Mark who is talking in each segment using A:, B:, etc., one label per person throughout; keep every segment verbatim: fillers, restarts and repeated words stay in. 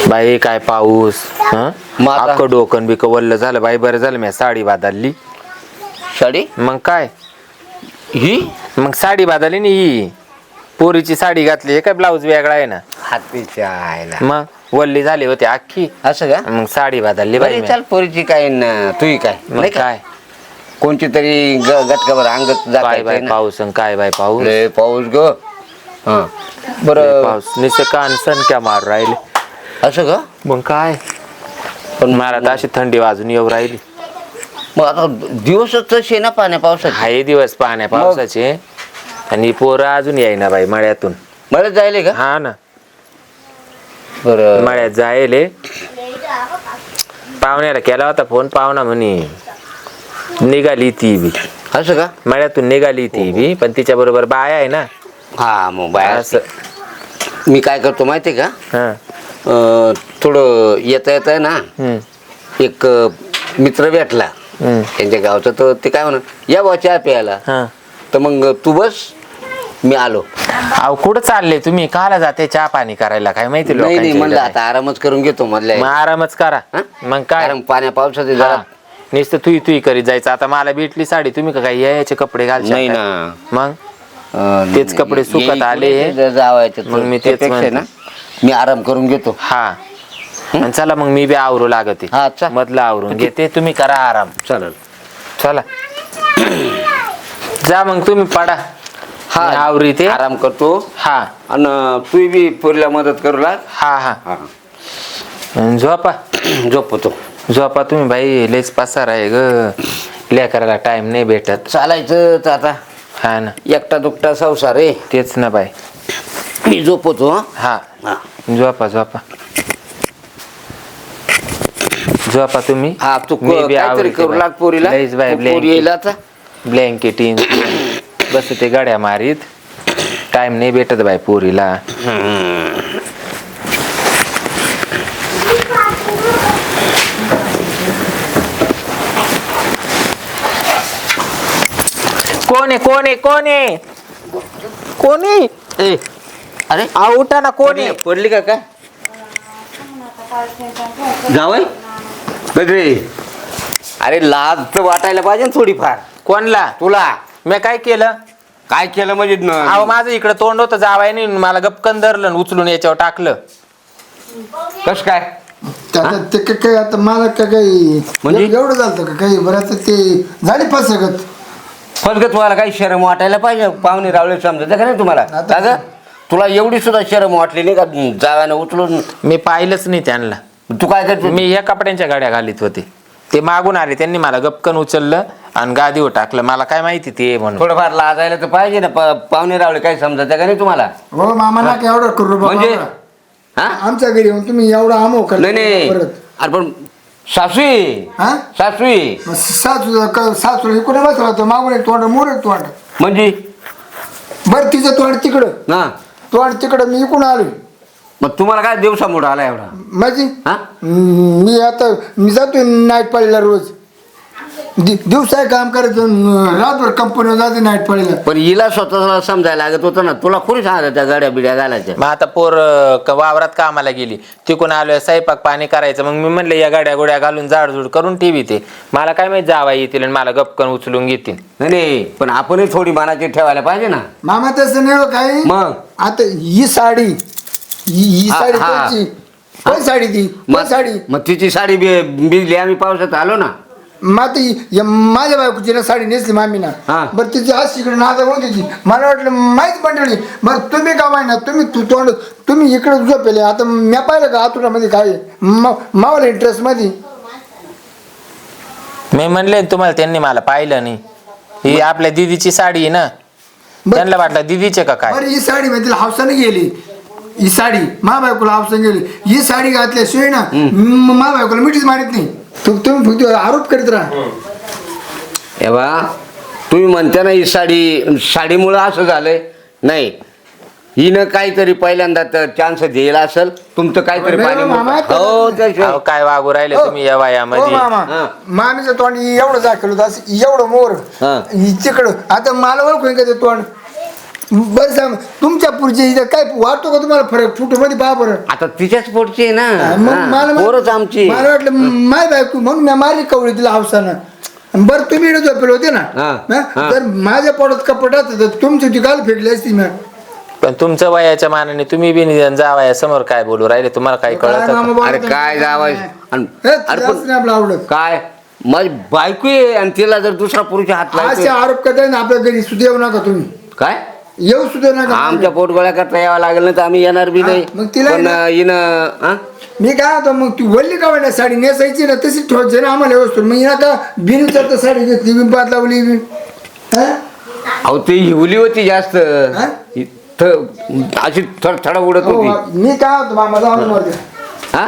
A: बाई काय पाऊस अख्खं डोकन बिक वल्ल झालं बाई. बरं झालं मी साडी बांधली.
B: साडी
A: मग काय
B: ही
A: मग साडी बांधली नी ही पोरीची साडी घातली. हे काय ब्लाऊज वेगळा आहे ना.
B: हातीच्या आयला
A: मग वल्ली झाली होती अख्खी.
B: असं का?
A: मग साडी बांधली बाई.
B: चाल पोरीची काय न तुही काय
A: मग काय
B: कोणची तरी गटकावर अंगत
A: काय बाय पाऊस आणि काय बाय पाऊस.
B: लय पाऊस ग. हा
A: लय
B: बरं
A: पाऊस नुसतं कान सनक्या मार राहिले.
B: असं का?
A: मग काय पण मला तर अशी थंडी वाजून येऊ राहिली.
B: मग आता दिवसच तसे ना पाण्या पावसाचे.
A: हाय दिवस पाण्या पावसाचे आणि पोरं अजून येईना बाई मळ्यातून.
B: मला जायले का?
A: हा ना
B: बरं
A: मळ्यात जायले. पाहुण्याला केला होता फोन. पाहुणा म्हणे निघाली ती बी.
B: असं का?
A: मळ्यातून निघाली ती बी पण तिच्या बरोबर बाया आहे ना.
B: हा मग बाय
A: असं
B: मी काय करतो माहितीये का?
A: हा
B: अं, थोडं येता येत आहे ना
A: हम्म
B: एक मित्र भेटला
A: हम्म
B: त्यांच्या गावचा. तर ते काय म्हणत या बा चहा प्यायला.
A: हा
B: तर मग तू बस मी आलो.
A: अहो कुठं चालले तुम्ही? काला जाते चहा पाणी करायला काय माहिती
B: नाही नाही
A: लोकांच्या
B: म्हणलं
A: इकडे.
B: आता आरामच करून घेतो
A: मग
B: मधल्या
A: आरामच करा.
B: हा?
A: मग काय
B: कारण पाण्या पावसाचे
A: हा.
B: जरा
A: नुसतं तुई तुई करीत जायचं. आता मला भेटली साडी तुम्ही का काय याचे कपडे घाल
B: नाही ना.
A: मग
B: अं,
A: तेच कपडे सुकत
B: येई
A: आले.
B: पुढे जावायचे.
A: मग मी तेच
B: त्यापेक्षा
A: म्हणतो.
B: ना मी आराम करून घेतो.
A: हा आणि चला मग मी बी आवरू लागते.
B: हा, चल.
A: मधलं आवरून घेते तुम्ही करा आराम.
B: चालेल.
A: चला जा मग तुम्ही पडा.
B: हा
A: मी आवरी ते
B: आराम करतो.
A: हा
B: आणि तू बी पोरीला मदत करू लाग.
A: हा हा
B: हा
A: आणि झोपा
B: झोपतो.
A: झोपा तुम्ही बाई. लेच पसार आहे ग. लेकराला टाइम नाही भेटत.
B: चालायचं तर आता
A: हा ना
B: एकटा दुकटा संसार आहे.
A: तेच ना बाई.
B: मी झोपतो. हं?
A: हा
B: हा
A: झोपा झोपा झोपा तुम्ही.
B: हा तू
A: मी बी
B: काहीतरी
A: आवरते
B: करू
A: बाई.
B: लाग पोरीला.
A: लईच बाई
B: पोरी येईल आता.
A: ब्लँकेट बस ते गाड्या मारीत. टाइम नाही भेटत बाई पोरीला. कोण आहे कोण आहे कोण आहे कोण आहे?
B: ए अरे
A: आ उठा ना. कोण आहे?
B: पडली का काय? जावई गजरे अरे लाज तर वाटायला पाहिजे ना थोडीफार.
A: कोणला?
B: तुला
A: मी काय केलं?
B: काय केलं म्हणजे न-
A: अहो माझं इकडे तोंड होतं जावाय नाही. मला गपकन धरलं आणि उचलून याच्यावर टाकलं.
B: कस काय?
C: आता ते काय काय आता मला काय काही
B: म्हणजे?
C: एवढं झालं का काही बरं आता ते झाली फसगत.
B: फसगत व्हायला काही शरम वाटायला पाहिजे. पाहुणे रावळे समजत का नाही तुम्हाला?
C: आता-
B: का ग? तुला एवढी सुद्धा शरम वाटली नाही का जाव्यानं उचलून?
A: मी पाहिलंच नाही त्यांना.
B: तू काय करतो?
A: मी या कपड्यांच्या गाड्या घालीत होते. ते मागून आले त्यांनी मला गपकन उचललं आणि गादीवर टाकलं. मला काय माहिती ते म्हणून.
B: थोडंफार लाजायला तर पाहिजे ना. प- पाहुणे रावळे काही समजत का नाही तुम्हाला?
C: हो मामा ना काय एवढं करू बाबा.
B: म्हणजे हा
C: आमच्या घरी येऊन तुम्ही एवढा आमो
B: नाही नाही
C: परत
B: अरे पण सासवी
C: हा
B: सासवी
C: मग सासू सासू इकडे बसला होता मागून एक तोंड मोर एक तोंड.
B: म्हणजे
C: बरं तिचं तोंड तिकडं
B: ना
C: तोंड तिकडं मी इकडून आलोय.
B: मग तुम्हाला काय दिवसामुळे आला एवढा?
C: माझी
B: हा
C: मी आता मी जातोय नाईट पाळीला रोज. दि- दिवसा काम करायचं रातभर कंपनीवर जाते नाईट पाळीला.
B: पण हिला स्वतःला समजायला लागत होतं ना. तुला कोणी सांगितलं त्या गाड्या बिड्या घालायच्या?
A: मग आता पोर क- वावरात कामाला गेली. तिकून आलोय स्वयंपाक पाणी करायचं. मग मी म्हणलं या गाड्या गोड्या घालून जाडजूड करून ठेवी. ते मला काय माहिती जावा येतील आणि मला गपकन उचलून घेतील.
B: नाही नाही पण आपणही थोडी मानाची ठेवायला पाहिजे ना.
C: मामा तसं नाही हो काही.
B: मग
C: आता ही साडी ही ही
B: हा,
C: साडी
B: हा.
C: कोणची कोण साडी ती कोण
B: मग
C: साडी
B: मग तिची साडी बि- भिजली आम्ही पावसात आलो ना.
C: माती या माझ्या बायकोची ना साडी नेसली मामीना.
B: हा.
C: बरं तिची आज तिकडे नादा होती तिची. मला वाटलं माहीत मंडळी. बरं तुम्ही का माहिना तुम्ही तू तोंड तुम्ही इकडे झोपेले. आता म्या पाहिलं का आतुरामध्ये काय मावला इंटरेस्ट मध्ये.
A: मी म्हणले तुम्हाला त्यांनी मला पाहिलं नाही. ही आपल्या दिदीची साडी आहे ना. त्यांना वाटलं दिदीचे का काय.
C: बरं ही साडी म्हणजे हावसाने गेली. ही साडी मा बायकोला हावसाने गेली. ही साडी घातल्याशिवाय ना म- मा बायकोला मिठीच मारित नाही. तू तुम्ही फक्त आरोप करीत राहा.
B: हे बा तुम्ही म्हणता ना ही साडी साडीमुळं असं झालंय. नाही हिनं काहीतरी पहिल्यांदा तर चान्स दिला असेल. तुमचं काहीतरी
C: नाही
B: पाणी
C: मामा,
B: मुरतं. हो त्याशिवाय
A: अहो काय वागू राहिले तुम्ही या
C: हो
A: वयामध्ये.
C: मामा
B: हा.
C: मामीचं तोंड एवढं दाखवलं होतं असं एवढं मोर
B: हा.
C: तिकडं. आता मला ओळखून का ते तोंड बरं सांग तुमच्या पुढचे इथं काय वाटतो का तुम्हाला फरक फोटो मध्ये पहा बरं
B: आता तिच्याच पोटची आहे
C: मग
B: ना
C: मला
B: हा, पोरच आमची
C: मला वाटलं माय बायको म्हणून मी मारली कवळी तिला हौसानं बरं तुम्ही इकडे झोपेल होते ना
B: हा,
C: हा?
B: हा.
C: जर माझ्या पोटात कपटात तर तुमची ती गाल फेकली असती मी
A: पण तुमचं वयाच्या मानाने तुम्ही बी निदान जावया समोर काय बोलू राहिले तुम्हाला काही
C: काय
A: कळत
C: मामा
A: का?
C: बोलत
B: अरे
C: नाही.
B: काय जावाय आणि
C: हे,
B: अरे
C: तिला
B: पण-
C: असं नाही आपलं आवडत
B: काय माझी बायको आहे आणि तिला जर दुसरा पुरुष हात
C: असे
B: लावतो
C: आरोप करताय ना आपल्या घरी सुद्धा येऊ नका तुम्ही
B: काय
C: येऊ सुद्धा नका
B: आमच्या पोटगोळ्या करता यावं लागेल ना तर आम्ही येणार बी
C: हा,
B: नाही
C: मग तिला
B: पण
C: ना-
B: हिनं हा?
C: मी काय होतो मग ती वल्ली का वाटत साडी नेसायची ना तशी ठेवायची ना आम्हाला व्यवस्थित मग हिला का बिन तर साडी घेतली बिन पात लावली बी. हा?
B: अहो ती हिवली होती जास्त
C: हा?
B: इथं अशी थडथडा उडत
C: हो,
B: होती
C: मी काय होतो मामा जाऊन मरते
B: हा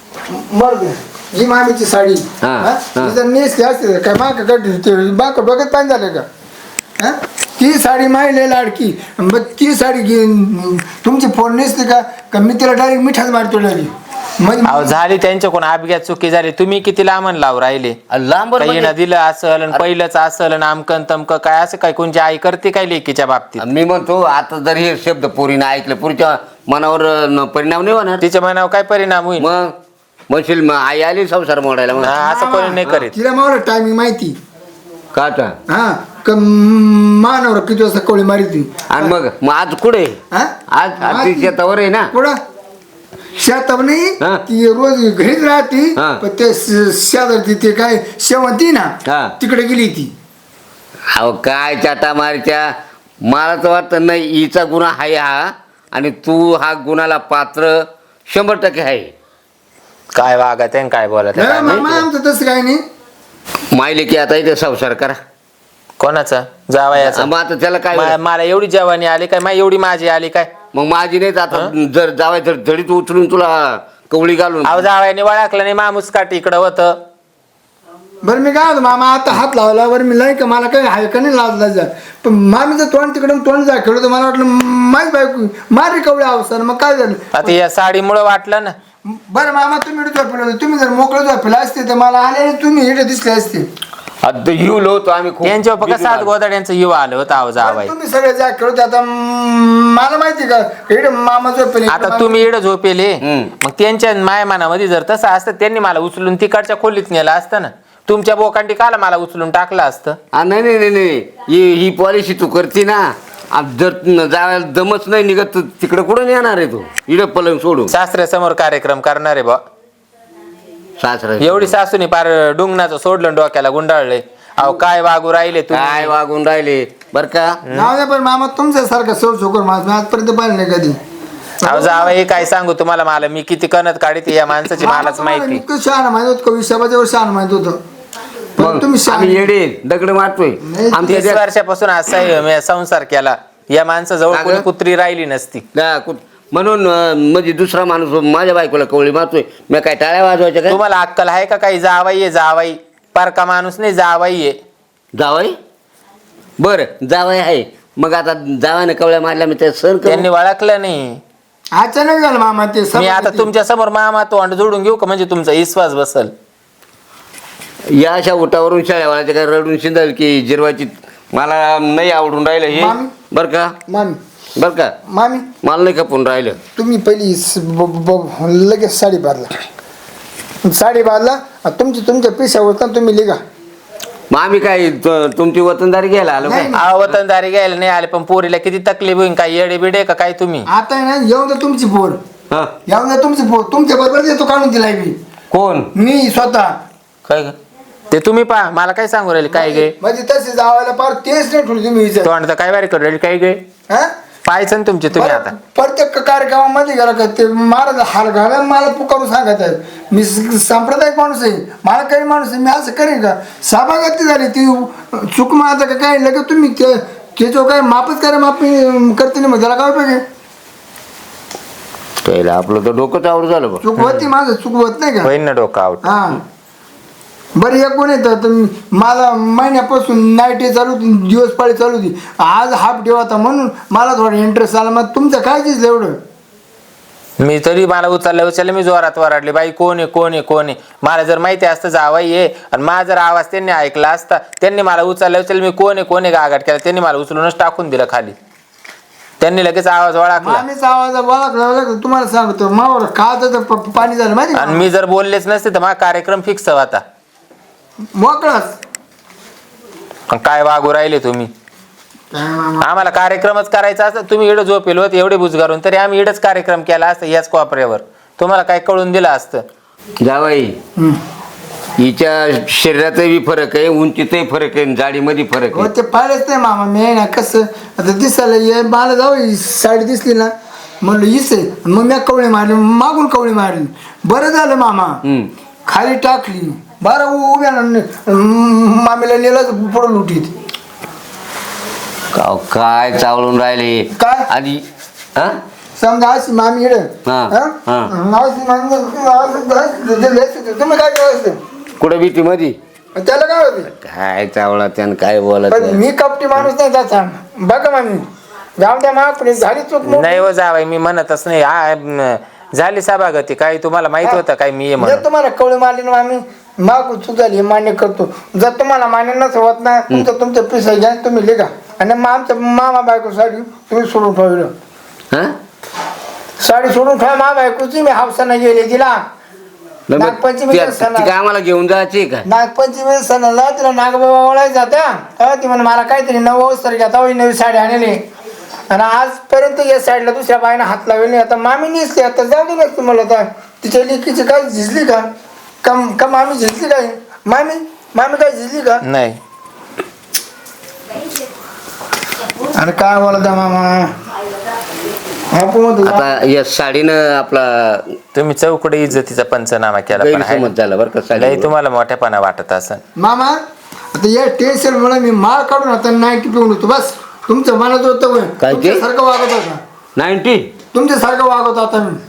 C: मरते ही मामीची साडी
B: हा,
C: हा?
B: हा.
C: ती जर नेसली असते तर काय माग कट माग डोक्यात पाणी झालं का हा? ती साडी माहिली लाडकी मग ती साडी घेऊन तुमची फोन नेसली का का मी तिला डायरेक्ट मिठाच मारतो डायरेक्ट
A: अहो
C: म्हणजे
A: झाली त्यांच्याकडून अपघात चुकी झाली तुम्ही किती लांबण लावून राहिले
B: लांब
A: काही ना दिलं असल आणि पहिलंच असल आणि आमकन तमकं काय असं काय कोणची आई करते काय लेकीच्या बाबतीत
B: मी म्हणतो आता जर हे शब्द पोरीनं ऐकले पुरीच्या मनावर न- परिणाम नाही होणार
A: तिच्या मनावर काय परिणाम होईल
B: मग म्हणशील मग आई आली संसार मोडायला मग
A: हा, असं कोणी नाही करीत
C: तिला मला टायमिंग माहिती
B: का आता
C: हा क मानवर किती वाजता कोळी मारी ती
B: आणि मग मग आज कुठे
C: हा?
B: आज आज ती शेतावर आहे ना
C: पुढं शेतात नाही
B: हा.
C: ती रोज घरीच राहती
B: हा.
C: पण ते श- शेजारची ते काय शेवंती ना
B: हा.
C: तिकडे गेली ती
B: अहो काय चाटा मारच्या मला तर वाटतं नाही हिचा गुन्हा आहे हा आणि तू हा गुन्हाला पात्र शंभर टक्के आहे
A: काय वागत आहे आणि काय बोलत आहे
C: हा,
A: काय
C: मामा
A: माहिती.
C: आमचं तसं काही नाही
B: मायले की आता इथे संसार करा
A: कोणाचा जावयाचा
B: मग आता त्याला काय
A: मा- मला एवढी जवानी आली काय मा एवढी माझी आली काय
B: मग माझी नाही आता जर जावाय तर धडीत उचलून तुला कवळी घालून
A: अहो जावयाने वळखलं नाही मामूस काठी इकडं होतं
C: बरं मी काय होतो मामा आता हात लावला बरं मी नाही का मला काही आहे का नाही लाजला जा पण मामीचं तोंड तिकडून तोंड जा खेळतो मला वाटलं माहीत बायको मारी कवळी अवस्था मग काय झालं
A: आता या साडीमुळे वाटलं ना
C: बरं मामा तुम्ही इकडे झोपले होते तुम्ही जर मोकळे झोपले असते तर मला आले आणि तुम्ही इकडे दिसले असते
B: आता हिवलो होतो आम्ही खूप
A: त्यांच्यावर फक्त
B: भिजून
A: सात
B: आलो.
A: गोदाड्यांचं युवा आलं होतं अहो जावाय
C: तुम्ही सगळे जा खेळते आता म, मला माहिती का इकडे मामा झोपले
A: आता तुम्ही इकडं झोपेले
B: हम्म.
A: मग त्यांच्या मायमानामध्ये जर तसं असतं त्यांनी मला उचलून तिकडच्या खोलीत नेलं असतं ना तुमच्या बोकांडी काला मला उचलून टाकलं असतं
B: आ, नाही नाही नाही नाही ही ही पॉलिसी तू करते ना आ, जर न- जायला दमच नाही निघत तर तिकडे कुठं येणार आहे तू इकडे पलंग सोडून
A: सासऱ्यासमोर कार्यक्रम करणार आहे बा
B: सासरा
A: एवढी सासूनी पार डुंगणाचं सोडलं डोक्याला गुंडाळले अहो काय वागू राहिले
B: काय
A: तुम्ही
B: वागून राहिले बर का
C: नाव द्या पण मामा तुमच्यासारखा सौ शोकर माणूस मी आजपर्यंत पाहिलं नाही कधी
A: अहो जावं हे काय सांगू तुम्हाला मला मी किती कणत काढते या माणसाची मलाच माहिती
C: इतकं शहाणा माहित होत कवी शबाच्यावर शहाणा माहित होतं पण
B: मग
C: तुम्ही
B: आम्ही
C: शहाणे
B: येडे दगड मारतोय
C: नाही,
B: आमच्या
A: तीस
B: त्या-
A: वर्षापासून असा मी संसार केला या माणसाजवळ
B: का ग?
A: कोणी कुत्री राहिली नसती
B: त्या कुठ- म्हणून अं, म्हणजे दुसरा माणूस माझ्या बायकोला कवळी मारतोय मी काय टाळ्या वाजवायच्या काय
A: तुम्हाला अक्कल आहे का काही जावाई आहे जावाई पारका माणूस नाही जावाई आहे
B: जावाई बर जावाई आहे मग आता जावाने कवळ्या मारल्या मी त्या सर
A: त्यांनी ओळखलं नाही
C: अचानक झालं मामा ते
A: मी
C: सभा
A: आता
C: किती-
A: तुमच्या समोर मामा तोंड जोडून घेऊ का म्हणजे तुमचा विश्वास बसल
B: या अशा उठावरून शाळेवाल्याच्या काय रडून शिंदल की जिरवाची मला नाही आवडून राहिलं हे
C: मामी?
B: बर का
C: मामी
B: बर का
C: मामी
B: मला नाही खपून राहिलं
C: तुम्ही पहिली स- ब- ब- लगेच साडी बांधला साडी बांधला आणि तुमची तुमच्या पेशावर तर तुम्ही लिगा
B: मग आम्ही काय तु- तुमची वतनदारी घ्यायला आलो काय
C: नाही.
A: अहो वतनदारी घ्यायला नाही आले पण पोरीला किती तकलीफ होईल काय येडे बिडे का काय तुम्ही
C: आता आहे ना येऊन द्या तुमची पोर
B: हा
C: येऊन द्या तुमची पोर तुमच्या बरोबर येतो काढून दिलाय मी
B: कोण
C: मी स्वतः
A: काय ग? ते तुम्ही पहा मला काय सांगू राहिले काय गे
C: म्हणजे तसे जावायला पार तेच नाही ठेवली तुम्ही विचार
A: तोंड तर काय बारी करू राहिले काय गे
C: हा?
A: पाहायचं ना तुमचे तुम्ही आता
C: बरं, प्रत्येक कार्यक्रमामध्ये गेला का ते महाराज हार घाला मला पुकारून सांगत आहेत मी स- सांप्रदायिक माणूस आहे मला काही माणूस आहे मी असं करेन का सभागती झाली ती चूक माझं का काय लगेच तुम्ही ते त्याच्यावर काय मापच करा माप करते नाही मग त्याला काय उपयोग आहे
B: त्याला आपलं तर डोकंच आवड झालं बघ
C: चूक होती माझं चूक होत नाही का
A: होईन ना डोकं आउट
C: हा बरं एक कोण येतं तर मला महिन्यापासून नाईट डे चालू होती दिवस पाळी चालू होती आज हाफ डे होता म्हणून मला थोडा इंटरेस्ट आला मग तुमचं काय दिसलं एवढं
A: मी तरी मला उचलल्या उचलल्या मी जोरात वराडले बाई कोण आहे कोण आहे कोण आहे मला जर माहिती असतं जावाई आहे आणि माझा जर आवाज त्यांनी ऐकला असता त्यांनी मला उचलल्या उचलल्या मी कोण आहे कोण आहे गागाट केला त्यांनी मला उचलूनच टाकून दिलं खाली त्यांनी लगेच आवाज ओळखला
C: मामीचा आवाज ओळखला तुम्हाला सांगतो मावर का तर प- पाणी झालं माहिती
A: आणि
C: का?
A: मी जर बोललेच नसते तर माझा कार्यक्रम फिक्स होता.
C: मोकळाच
A: पण काय वागू राहिले तुम्ही?
C: काय मामा
A: आम्हाला कार्यक्रमच करायचा असता तुम्ही इडं झोपेल होत एवढे बुजगारून तरी आम्ही इडच कार्यक्रम केला असता याच कोपऱ्यावर. तुम्हाला काय कळून दिलं असतं?
B: जावाई
C: हम्म.
B: हिच्या शरीरातही फरक आहे, उंचीतही फरक आहे, जाडीमध्ये फरक
C: हो
B: आहे.
C: ते पाहिलंच नाही मामा मी ना कसं आता दिसायला ये मला जाऊ ही साडी दिसली ना म्हणलं हीच आहे मग मी कवळी मारली मागून कवळी मारली बरं झालं मामा
B: हम्म.
C: खाली टाकली बरं उ- उभ्या ना म- मामीला नेलं पुढं लुटीत
B: काव, काय चावळून राहिले
C: काय?
B: आणि हा
C: समजा अशी मामी इड
B: हा, हा.
C: तुम्ही काय करायचं
B: कुठं भीती मध्ये
C: त्याला काय होते
B: काय चावला त्यानं काय बोलत
C: पण
B: नाही.
C: मी कपटी माणूस नाही त्याचा बघा मामी जाऊ द्या मा झाली चूक मोठी.
A: नाही हो जावाय मी म्हणतच नाही आ, म, झाली सभागती काय तुम्हाला माहित होतं काय मी ये
C: जर
A: म्हणून?
C: तुम्हाला कवळी मारली ना आम्ही मागू चूक झाली हे मान्य करतो जर तुम्हाला मान्य नसं होत ना तुमचं तुमचं पिसा घ्या आणि तुम्ही लिहा आणि मग आमच्या मामा बायको साडी तुम्ही सोडून ठेवलं
B: हा?
C: साडी सोडून ठेवा मा बायकोची मी हावसानं गेले तिला
B: नाही, मग
C: नागपंचमीच्या
B: त्या-
C: सणाला.
B: ती काय आम्हाला घेऊन जायची का?
C: नागपंचमी सणाला तिला नागबाबा ओळायचा होता तेव्हा ती म्हणे मला काहीतरी नऊ अवसर घ्या तेव्हा ही नवी साडी आणली आणि आजपर्यंत या साईडला दुसऱ्या बाईनं हात लावले नाही. आता मामी नेसली आता जाऊ दे नसते मला आता तिच्या लेकीची काय झिजली का कम का मामी झिजली काय मामी मामी काय झिजली का
A: नाही
C: आणि काय बोलत आहे मामा आपण म्हणतो
B: आता या साडीनं आपला
A: तुम्ही चौकडे इज्जतीचा पंचनामा केला पण हाय
B: गैरसमज झाला बरं का
A: ना? लय
B: साडी
A: तुम्हाला मोठ्यापणा वाटत असं.
C: मामा आता या टेन्शन मुळे मी माळ काढून आता नाईन्टी पिऊन होतो बस तुमचं मनात होतं होय.
B: काय ते?
C: तुमच्यासारखं वागत होता
B: नाईन्टी
C: तुमच्यासारखं वागत होता मी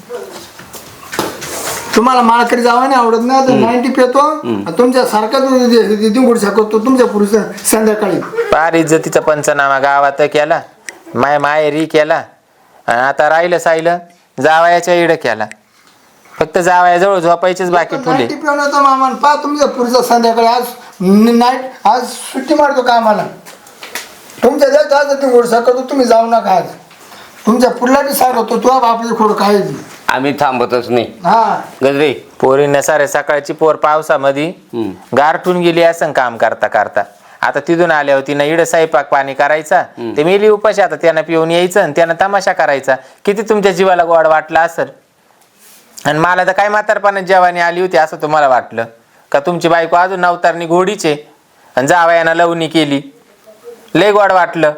C: तुम्हाला माळकरी जावं नाही आवडत ना तर नाईन्टी पितो तुमच्या सारखा दिंगुड शकतो तुमच्या पुरुष संध्याकाळी
A: पार इज्जतीचा पंचनामा गावात केला माय माहेरी केला आणि आता राहिलं साहिलं जावयाच्या इड केला. फक्त जावयाजवळ झोपायचीच बाकी ठुले.
C: नाईन्टी पिऊन होतो मामा पा तुमच्या पुरुष संध्याकाळी आज नाईट आज सुट्टी मारतो कामाला तुमच्या जास्त आज दिंगुड शकतो तुम्ही जाऊ नका आज तुमच्या पुढला बी सांगतो तुला बापले खोड काय नाही.
B: आम्ही थांबतच नाही
C: हा
B: गजरे.
A: पोरीने सारे सकाळची पोर पावसामध्ये
B: हम्म.
A: गारठून गेली असं काम करता करता आता तिथून आल्या होती ना इड स्वयंपाक पाणी करायचा ते मेली उपाशी आता त्यांना पिऊन यायचं आणि त्यांना तमाशा करायचा. किती तुमच्या जीवाला गोड वाटला असेल आणि मला तर काय म्हातारपणात जेवानी आली होती असं तुम्हाला वाटलं का? तुमची बायको अजून नवतारणी घोडीचे आणि जावयानं लवणी केली लय गोड वाटलं.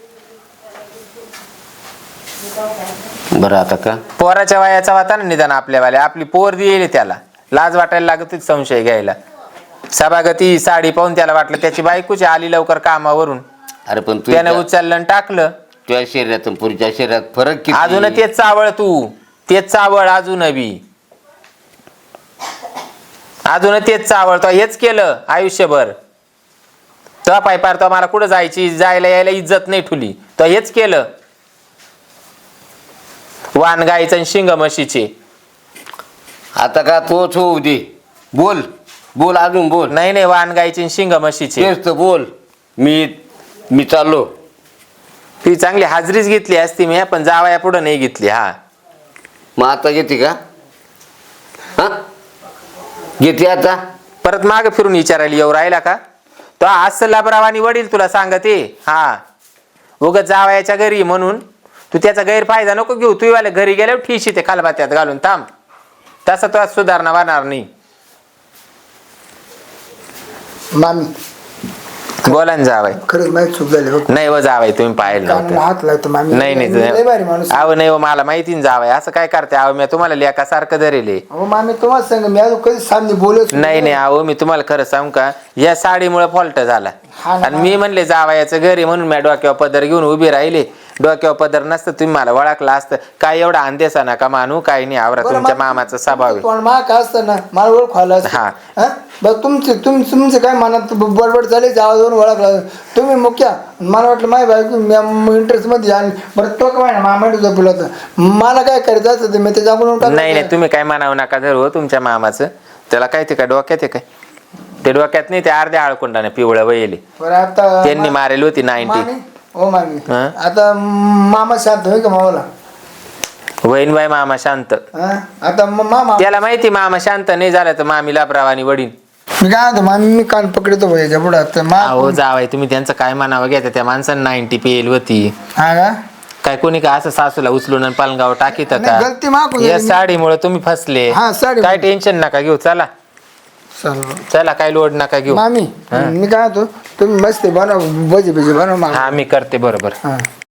B: बरं आता का
A: पोराच्या वयाचा होता ना निदान आपल्यावाल्या आपली पोर दिली त्याला लाज वाटायला लागत होती संशय घ्यायला. सभागती साडी पाहून त्याला वाटलं त्याची बायकोची आली लवकर कामावरून
B: अरे पण तू
A: त्याने उचललं आणि टाकलं.
B: तुझ्या शरीरातून पुरीच्या शरीरात फरक किती?
A: अजून तेच चावळ तू तेच चावळ अजून बी अजून तेच चावळ तो हेच केलं आयुष्यभर. तो पाय पार तो मला कुठं जायची जायला यायला इज्जत नाही ठुली तो हेच केलं. वान गायचं आणि शिंग म्हशीचे.
B: आता का तोच होऊ दे. बोल बोल अजून बोल.
A: नाही नाही वान गायची आणि शिंग म्हशीचे.
B: तेच तर बोल. मी मी चाललो.
A: ती चांगली हाजरीच घेतली असती मी पण जावया पुढं नाही घेतली. हा
B: मग आता घेते का? हा घेते आता
A: परत मागे फिरून विचारायला येऊ राहिला का? तो असं लाभरावानी वडील तुला सांगते. हा उगाच जावयाच्या घरी म्हणून तू त्याचा गैरफायदा नको घेऊ. तू वाले घरी गेल्यावर ठिशी ते खालबात्यात घालून थांब. तसा तो सुधारणा होणार नाही.
C: मामी
A: बोला ना जावाय.
C: खरंच माहिती चूक झाली बघ
A: नाही व जावाय तुम्ही पाहिलं
C: कानाला
A: नव्हतं.
C: हात लावतो मामी
A: नाही नाही
C: लय भारी माणूस
A: तुम्ही- अहो नाही हो, मला माहिती ना जावाय असं काय करते. अहो मी तुम्हाला लेकासारखं धरेले.
C: अहो मामी तुम्हाला सांग मी अजून कधी सामने बोलत
A: नाही नाही अहो मी तुम्हाला खरं सांगू का या साडीमुळे फॉल्ट झाला
C: हा ना.
A: आणि मी म्हणले जावयाचं घरी म्हणून मी डोक्यावर पदर घेऊन उभी राहिले. डोक्यावर पदर नसतं तुम्ही मला ओळखला असतं. काय एवढा अंदेसा नका मानू काही नाही. आवरा तुमच्या मामाचा स्वभाव आहे.
C: पण मा काय असतं ना मला ओळख व्हायला असतं.
A: हा.
C: हा? बघ तुमचे तुम तुमचं काय मनात बडबड चालेल आवाजावरून ओळखला तुम्ही मुख्या मला वाटलं माय बायको इंटरेस्ट मध्ये आली बरं तो काय ना मामा झोपला होता मला काय करायचं असतं ते मी ते जागून
A: नाही नाही तुम्ही काय म्हणावं नका धरू हो तुमच्या मामाचं. त्याला काय ते काय डोक्यात आहे काय ते डोक्यात नाही ते अर्ध्या आळकुंडाने पिवळं वयले
C: बरं आता
A: त्यांनी मारेल होती नाईन्टी.
C: मामी ओ मामी
A: हा?
C: आता मामा शांत होय का मामाला
A: वहीन बाई मामा शांत.
C: हा? आता म- मामा
A: त्याला माहिती मामा शांत नाही झाला तर मामीला प्रवानी वडील.
C: मी काय म्हणतो मामी मी कान पकडतो भाई याच्या पुढं आता मा
A: अहो जावाय तुम्ही त्यांचं काय म्हणावं घ्या त्या माणसानं नाईन्टी पेल होती.
C: हा का
A: काय कोणी का असं सासूला उचलून आणि पालगाव टाकीत
C: नाही,
A: का?
C: गलती माफ
A: या साडीमुळे तुम्ही फसले.
C: हा, साडी-
A: काय टेन्शन नका घेऊ. चला
C: चल
A: चला काय लोड नका घेऊ.
C: मामी मी काय म्हणतो तुम्ही मस्त बनव भजी भजी बनव मामी
A: हा मी करते बरोबर.
C: हा